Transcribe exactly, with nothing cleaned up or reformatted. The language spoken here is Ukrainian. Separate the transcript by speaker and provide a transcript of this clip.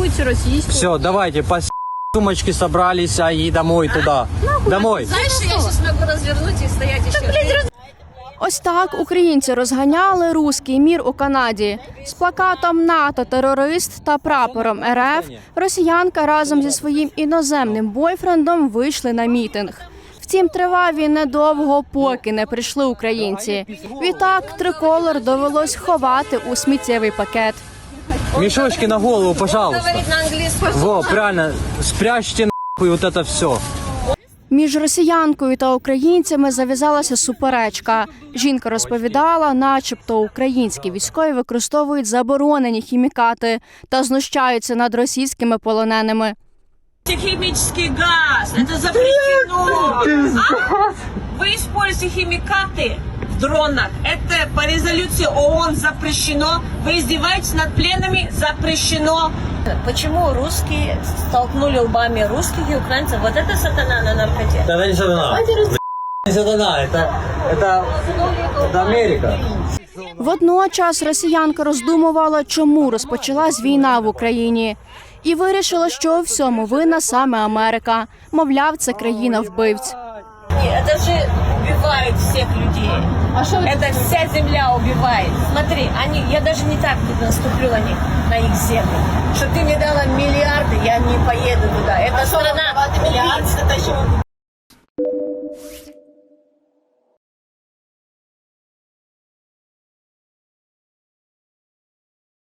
Speaker 1: будете российскую.
Speaker 2: Все, давайте, по сумочки собрались, а и домой туда. Домой.
Speaker 1: Знаешь, я сейчас могу развернуть и стоять еще.
Speaker 3: Ось так українці розганяли руський мір у Канаді. З плакатом «НАТО – терорист» та прапором ер еф росіянка разом зі своїм іноземним бойфрендом вийшли на мітинг. Втім, тривав він недовго, поки не прийшли українці. Відтак триколор довелось ховати у сміттєвий пакет.
Speaker 2: Мешочки на голову, пожалуйста.
Speaker 1: Говорит на английском.
Speaker 2: Во, правильно, спрячьте нахуй вот это все.
Speaker 3: Між росіянкою та українцями зав'язалася суперечка. Жінка розповідала, начебто українські військові використовують заборонені хімікати та знущаються над російськими полоненими.
Speaker 4: Химический газ, это запрещено. А? Вы используете химикаты в дронах. Это по резолюции ООН запрещено. Вы издеваетесь над пленными, запрещено. Почему русские столкнули лбами русских и украинцев? Вот это сатана на наркоте.
Speaker 2: Это не сатана. Не сатана, это, это, это Америка.
Speaker 3: Водночас росіянка роздумувала, чому розпочалась війна в Україні. І вирішила, що у всьому винна саме Америка. Мовляв, це країна-вбивць.
Speaker 4: Это же убивает всех людей.
Speaker 1: А что вы-
Speaker 4: Это вся земля убивает. Смотри, они, я даже не так наступлю на них, на их землю. Что ты мне дала миллиарды, я не поеду туда. Это страна. Миллиарды,